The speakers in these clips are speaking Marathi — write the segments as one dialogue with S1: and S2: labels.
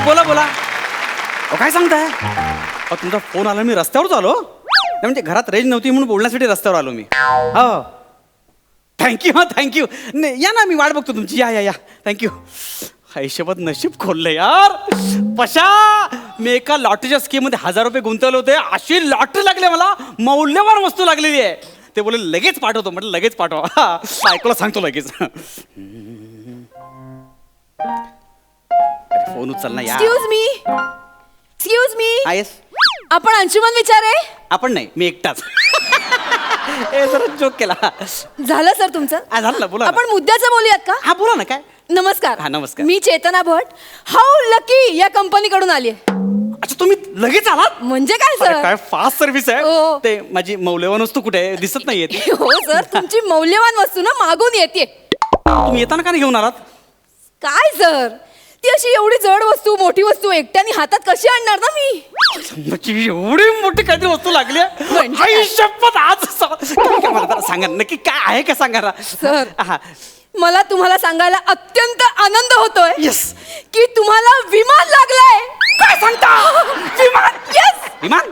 S1: बोला बोला. अहो काय सांगताय? अहो तुमचा फोन आला, मी रस्त्यावरच आलो. नाही म्हणजे घरात रेंज नव्हती म्हणून बोलण्यासाठी रस्त्यावर आलो मी. हो थँक्यू. हा थँक्यू. नाही या ना, मी वाट बघतो तुमची. या या या थँक्यू. हिशोबात नशीब खोललंय यार. पशा मी एका लॉटरीच्या स्कीममध्ये 1000 रुपये गुंतवले होते. अशी लॉटरी लागली मला, मौल्यवान वस्तू लागलेली आहे. ते बोले लगेच पाठवतो. म्हटलं लगेच पाठवा. बायकोला सांगतो लगेच. फोन उचल ना यार.
S2: Excuse me.
S1: हा येस.
S2: आपण अंशुमन विचारे?
S1: आपण नाही, मी एकटाच. ए जरा जोक केला.
S2: झालं सर तुमचं?
S1: झालं ना, बोला.
S2: आपण मुद्द्याचं बोलूयात का?
S1: हा बोला ना. काय?
S2: नमस्कार.
S1: हा नमस्कार.
S2: मी चेतना भट, हाऊ लकी या कंपनीकडून आली आहे.
S1: अच्छा तुम्ही लगेच आलात?
S2: म्हणजे काय
S1: अरे,
S2: सर?
S1: काय फास्ट सर्व्हिस आहे.
S2: हो.
S1: ते माझी मौल्यवान वस्तू कुठे आहे? दिसत नाहीये ती.
S2: हो सर, तुमची मौल्यवान वस्तू ना मागून येते.
S1: तुम्ही येताना का नाही घेऊन आलात?
S2: काय सर, ती अशी एवढी जड वस्तू, मोठी वस्तू एकट्याने हातात कशी आणणार ना मी?
S1: म्हणजे एवढी मोठी काहीतरी वस्तू लागली आहे?
S2: म्हणजे
S1: आई शपथ, आज काय मला जरा सांगा नक्की काय आहे का सांगा ना.
S2: सर.
S1: हा
S2: मला तुम्हाला सांगायला अत्यंत आनंद होतोय
S1: येस.
S2: की तुम्हाला विमान लागलंय.
S1: काय सांगता? विमान?
S2: येस.
S1: विमान?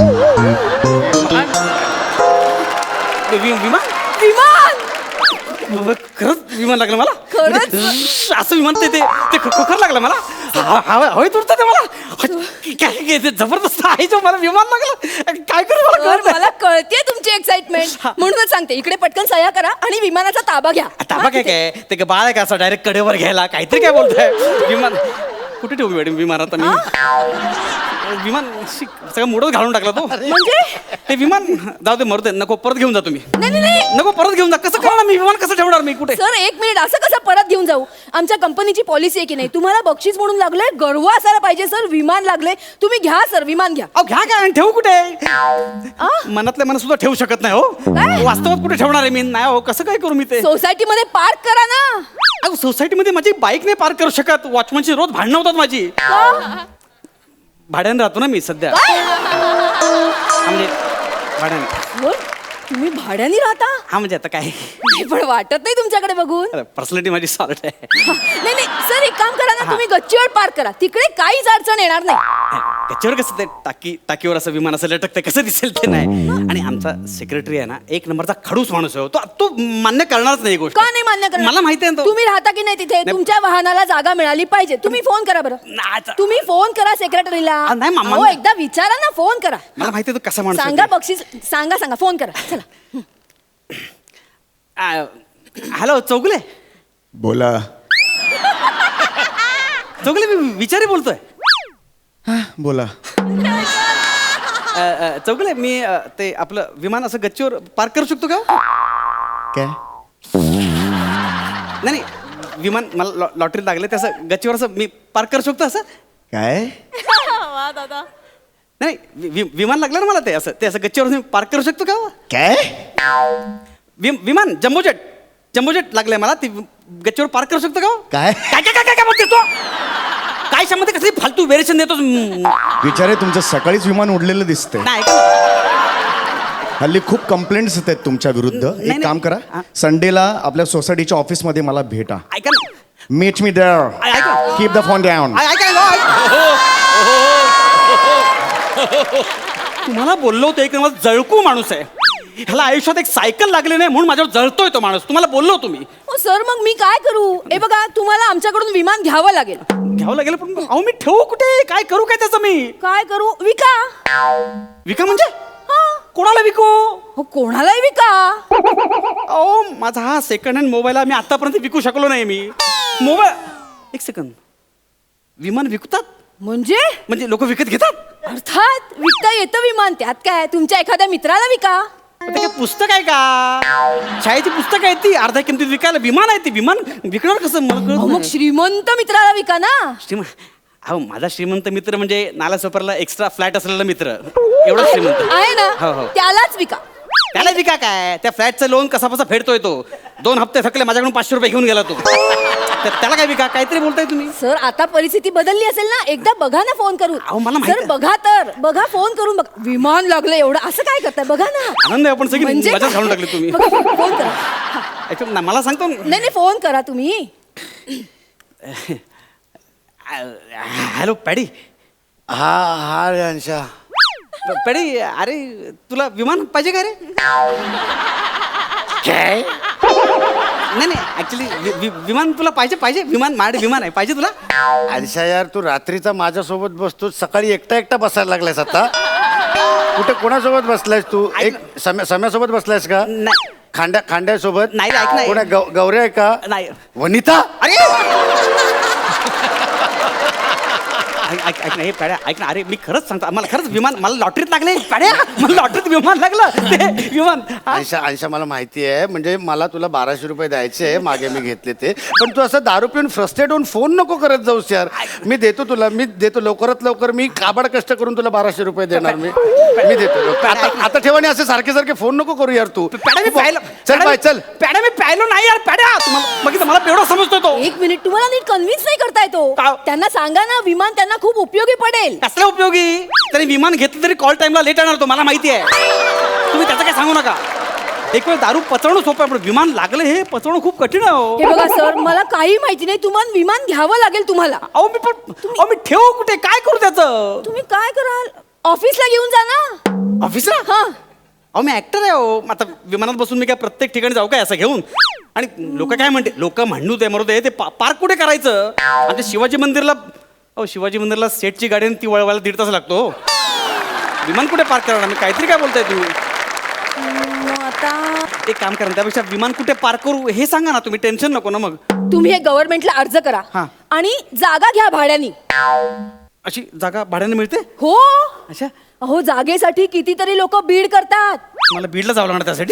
S1: विमान?
S2: विमान.
S1: खरंच विमान लागलं मला?
S2: खरंच?
S1: म्हणजे असं विमान ते खरं लागलं मला. हवेत उडतं ते मला. काय जबरदस्त आहे जो मला विमान लागलं. काय करू मला
S2: सर,
S1: कळत नाही.
S2: मला कळतेय तुमची एक्साइटमेंट, म्हणूनच सांगते इकडे पटकन सह्या करा आणि विमानाचा ताबा घ्या.
S1: ताबा काय काय ते काय बाळ आहे का असं डायरेक्ट कडेवर घ्यायला? काहीतरी काय बोलताय. विमान कुठे ठेवू मॅडम विमान? आता मी विमान सगळं मोडच घालून टाकला तो.
S2: म्हणजे
S1: ते विमान जाऊ दे, मरू दे, नको. परत घेऊन जा तुम्ही.
S2: नाही.
S1: नको, परत घेऊन जा. कसं करणार मी? विमान कसं ठेवणार मी? कुठे?
S2: सर एक मिनिट, असं कसं परत घेऊन जाऊ? आमच्या कंपनीची पॉलिसी आहे की नाही, तुम्हाला बक्षीस म्हणून लागलंय, गर्व असायला पाहिजे. सर विमान लागले, तुम्ही घ्या सर, विमान घ्या.
S1: अहो घ्या काय आणि ठेवू कुठे? मनातल्या मनात सुद्धा ठेवू शकत नाही हो.
S2: काय?
S1: वास्तवात कुठे ठेवणार आहे मी? नाही हो, कसं काय करू मी ते?
S2: सोसायटीमध्ये पार्क करा ना.
S1: अहो सोसायटीमध्ये माझी बाईक नाही पार्क करू शकत. वॉचमनची रोज भांडणं होतात माझी.
S2: का?
S1: भाड्याने राहतो ना मी सध्या. म्हणजे भाड्याने.
S2: हो, तुम्ही भाड्याने राहता?
S1: हा म्हणजे आता काय,
S2: नाही, पण वाटत नाही तुमच्याकडे बघून.
S1: पर्सनॅलिटी माझी सॉर्ट आहे.
S2: नाही सर, एक काम करा ना, तुम्ही गच्चीवर पार्क करा, तिकडे काहीच अडचण येणार नाही.
S1: त्याच्यावर कसं ते टाकीवर असं विमान असं लटकतं, कसं दिसेल ते नाही. आणि आमचा सेक्रेटरी आहे ना, एक नंबरचा खडूस माणूस आहे. तो मान्य करणारच नाही गोष्ट.
S2: का नाही मान्य करणार?
S1: मला माहिती आहे ना तो.
S2: तुम्ही राहता की नाही तिथे? तुमच्या वाहनाला जागा मिळाली पाहिजे. तुम्ही फोन करा बरं. तुम्ही फोन करा सेक्रेटरीला.
S1: नाही, मामा.
S2: अहो, एकदा विचारा ना, फोन करा.
S1: मला माहिती आहे तो कसा माणूस आहे
S2: सांगा
S1: ते.
S2: बक्षीस, सांगा फोन करा. चला.
S1: हॅलो चौगले.
S3: बोला.
S1: चौगले मी विचारी बोलतोय.
S3: बोला.
S1: चौगले मी ते आपलं विमान असं गच्चीवर पार्क करू शकतो का?
S3: काय?
S1: नाही विमान मला लॉटरी लागले ते असं गच्चीवर असं मी पार्क करू शकतो असं?
S3: काय?
S2: वा दादा.
S1: नाही विमान लागलं ना मला ते असं गच्चीवर मी पार्क करू शकतो का?
S3: काय?
S1: विमान जम्बोजेट लागलंय मला, ती गच्चीवर पार्क करू शकतो का?
S3: काय?
S1: काय काय काय काय बोलते तो? काय शामध्ये कसली फालतू व्हेरिएशन देतो?
S3: विचारे, तुमचं सकाळीच विमान उडलेलं दिसतंय.
S1: नाही
S3: हल्ली खूप कंप्लेंट्स येत आहेत तुमच्या विरुद्ध. एक काम करा, संडेला आपल्या सोसायटीच्या ऑफिसमध्ये मला भेटा.
S1: ऐका ना.
S3: Meet me there. Keep the phone down.
S1: तुम्हाला बोललो होतो, एक नंबर जळकू माणूस आहे. ह्याला आयुष्यात एक सायकल लागली नाही म्हणून माझ्यावर जळतोय तो माणूस. तुम्हाला बोललो तुम्ही.
S2: सर मग मी काय करू? हे बघा, तुम्हाला आमच्याकडून विमान घ्यावं लागेल.
S1: घ्यावं लागेल, पण अहो मी ठेवू कुठे? काय करू काय त्याचं मी?
S2: काय करू? विका.
S1: विका म्हणजे? कोणाला विकू?
S2: हो, कोणालाही विका.
S1: अहो माझा हा सेकंड हँड मोबाईल मी आतापर्यंत विकू शकलो नाही. मी मोबाईल, एक सेकंड, विमान विकतात म्हणजे लोक विकत घेतात?
S2: अर्थात विकता येतं विमान, त्यात काय? तुमच्या एखाद्या मित्राला विका.
S1: ते काय पुस्तक आहे का? शाळेची पुस्तक आहे ती अर्ध्या किमतीत विकायला. विमान आहे ती, विमान विकणार कसं मला कळत
S2: मग
S1: नाही.
S2: श्रीमंत मित्राला विका ना.
S1: अहो माझा श्रीमंत मित्र म्हणजे नालासोपरला एक्स्ट्रा फ्लॅट असलेला मित्र, एवढा श्रीमंत
S2: आहे ना.
S1: हो, हो.
S2: त्यालाच विका.
S1: त्याला विका काय? त्या फ्लॅटचं लोन कसा फेडतोय तो? 2 हप्ते थकले, माझ्याकडून 500 रुपये घेऊन गेला तो. त्याला काय विका? काहीतरी बोलताय तुम्ही.
S2: सर आता परिस्थिती बदलली असेल ना, एकदा बघा ना फोन करून.
S1: अहो, मला माहिती
S2: सर
S1: आहे.
S2: बघा फोन करून बघा. विमान लागलं एवढं, असं काय करताय? बघा ना.
S1: आनंद आहे, आपण सगळी
S2: म्हणजे
S1: मजा घालून टाकली तुम्ही.
S2: फोन करा.
S1: मला सांगतो.
S2: नाही फोन करा तुम्ही.
S1: Hello Paddy.
S4: हा हा रे अंशा.
S1: पॅडी अरे तुला विमान पाहिजे का रे?
S4: काय
S1: नाही नाही ऍक्च्युली विमान तुला पाहिजे विमान माझे विमान आहे पाहिजे तुला?
S4: अंशा यार, तू रात्रीचा माझ्यासोबत बसतो, सकाळी एकटा बसायला लागलायस आता. कुठे कोणासोबत बसलायस तू? एक सम्यासोबत बसलायस का?
S1: नाही
S4: खांड्यासोबत?
S1: नाही, ऐक ना.
S4: कोणा गौऱ्या आहे का?
S1: नाही.
S4: वनिता?
S1: अरे ऐक ना हे पॅड्या ऐक ना. अरे मी खरंच सांगतो मला खरंच विमान मला लॉटरीत लागले पॅड्या. मला लॉटरीत विमान लागलं ते विमान.
S4: अंशा मला माहिती आहे, म्हणजे मला तुला 1200 रुपये द्यायचे मागे मी घेतले ते. पण तू असं दारू पिऊन फ्रस्ट्रेट होऊन फोन नको करत जाऊस यार. मी देतो लवकरात लवकर. मी काबाड कष्ट करून तुला 1200 रुपये देणार. मी देतो. आता ठेवा नाही, असे सारखे फोन नको करू यार तू.
S1: पॅड्या मी प्यायलो.
S4: चल बाय चल.
S1: पॅड्या मी प्यायलो नाही यार पॅड्या. तुम्हाला बघितलं मला एवढं समजतो तो.
S2: एक मिनिट, तुम्हाला नीट कन्व्हिन्स नाही करता येतो.
S1: का?
S2: त्यांना सांगा ना विमान त्यांना खूप उपयोगी पडेल.
S1: कसलं उपयोगी? तरी विमान घेतलं तरी कॉल टाइमला लेट येणार तो मला माहिती आहे. तुम्ही त्याचं काय सांगू नका. एक वेळ दारू पचवणं सोपं आहे पण विमान लागलं हे पचवणं खूप कठीण आहे हो.
S2: हे बघा सर, मला काही माहिती नाही. तुम्हाला विमान घ्यावं लागेल तुम्हाला.
S1: मी ठेवू कुठे काय करू त्याचं?
S2: तुम्ही काय कराल? ऑफिसला घेऊन जा ना.
S1: ऑफिसला?
S2: हा.
S1: अहो मी ऍक्टर आहे हो. आता विमानात बसून मी काय प्रत्येक ठिकाणी जाऊ काय असं घेऊन? आणि लोक काय म्हणते लोक म्हणू दे मरू दे ते पार्क कुठे करायचं? आणि ते शिवाजी मंदिरला शिवाजी मंदिरला सेटची गाडी आणि ती वळवायला 1.5 तास लागतो. विमान कुठे पार्क करणार? मी काहीतरी काय बोलताय तुम्ही?
S2: आता
S1: एक काम करा त्यापेक्षा विमान कुठे पार्क करू हे सांगा ना तुम्ही. टेन्शन नको ना मग.
S2: तुम्ही हे गव्हर्नमेंटला अर्ज करा
S1: हा.
S2: आणि जागा घ्या भाड्यानी.
S1: अशी जागा भाड्याने मिळते?
S2: हो.
S1: अच्छा
S2: अहो जागेसाठी कितीतरी लोक बीड करतात.
S1: मला बीडला जावं लागणार त्यासाठी.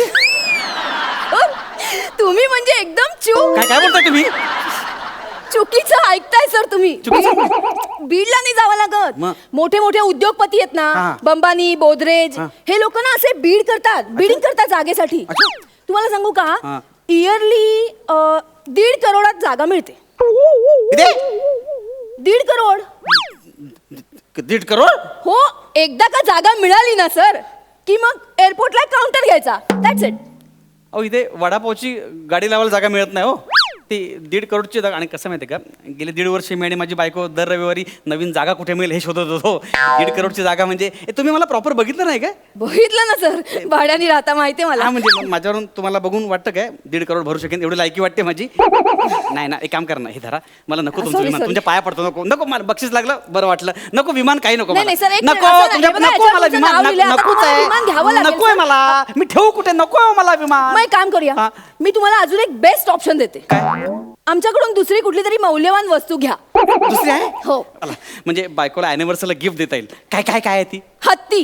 S2: तुम्ही म्हणजे एकदम चूक
S1: काय बोलताय तुम्ही?
S2: चुकीचं ऐकताय सर तुम्ही.
S1: चुकीचं?
S2: बीडला नाही जावं लागत.
S1: मग?
S2: मोठे मोठे उद्योगपती आहेत ना,
S1: हा.
S2: बंबानी गोदरेज, हे लोक ना असे बीड करतात, बिडिंग करतात जागेसाठी.
S1: अच्छा.
S2: तुम्हाला सांगू का,
S1: हा.
S2: इयरली 1.5 करोडात जागा मिळते.
S1: किती?
S2: 1.5 करोड.
S1: 1.5 करोड?
S2: हो. एकदा का जागा मिळाली ना सर की मग एअरपोर्टला काउंटर घ्यायचा. That's it.
S1: अहो इथे वडापावची गाडी लावायला जागा मिळत नाही हो. ती 1.5 करोडची जागा. आणि कसं माहिती आहे का, गेले 1.5 वर्ष मी आणि माझी बायको दर रविवारी नवीन जागा कुठे मिळेल हे शोधत होतो. 1.5 करोडची जागा म्हणजे तुम्ही मला प्रॉपर बघितलं नाही काय?
S2: बघितलं ना सर, भाड्याने राहता माहितीये मला.
S1: हा म्हणजे मग माझ्यावरून तुम्हाला बघून वाटतं काय 1.5 करोड भरू शकेन एवढी लायकी वाटते माझी? नाही ना. एक काम करा ना, हे धरा. मला नको तुमचं
S2: Sorry,
S1: विमान.
S2: sorry.
S1: तुमच्या पाया पडतो. नको मला बक्षीस लागलं बरं वाटलं. नको विमान काही नको
S2: नाही,
S1: मला.
S2: नाही, sir, एक
S1: नको
S2: मिनिट, असं नाही.
S1: तुमच्या
S2: बघा,
S1: नको
S2: याच्यावर
S1: मला
S2: तुमचं
S1: विमान
S2: नाव लिहिलंय. आता
S1: नकोच
S2: तुम्हाला विमान घ्यावं
S1: आहे.
S2: लागेल,
S1: नकोय
S2: sir.
S1: मला. मी ठेवू कुठे? नको मला विमान.
S2: मग एक काम करूया,
S1: हा.
S2: मी तुम्हाला अजून एक बेस्ट ऑप्शन देते. आमच्याकडून दुसरी कुठली तरी मौल्यवान वस्तू घ्या.
S1: दुसरी आहे?
S2: हो.
S1: चला, म्हणजे बायकोला अॅनिव्हर्सरीला गिफ्ट देता येईल. काय काय काय आहे ती?
S2: हत्ती.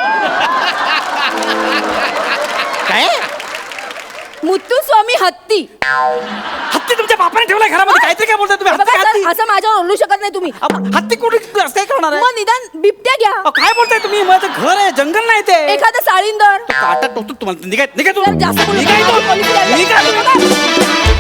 S1: काय?
S2: मुत्तुस्वामी हत्ती.
S1: हत्ती तुमच्या बापाने ठेवलाय घरामध्ये? काहीतरी काय बोलताय तुम्ही?
S2: बघा
S1: हत्ती
S2: सर,
S1: हत्ती
S2: असं माझ्यावर ओरडू शकत नाही तुम्ही.
S1: हत्ती कुठे असं काय करणार आहे?
S2: मग निदान बिबट्या घ्या.
S1: काय बोलताय तुम्ही? माझं घर आहे, जंगल नाही ते.
S2: एखादं साळींदर.
S1: काटा टोचतो तुम्हाला. निघाय
S2: जरा जास्त बोलू
S1: निघाय
S2: नका. पोलिस यायला.
S1: निघाय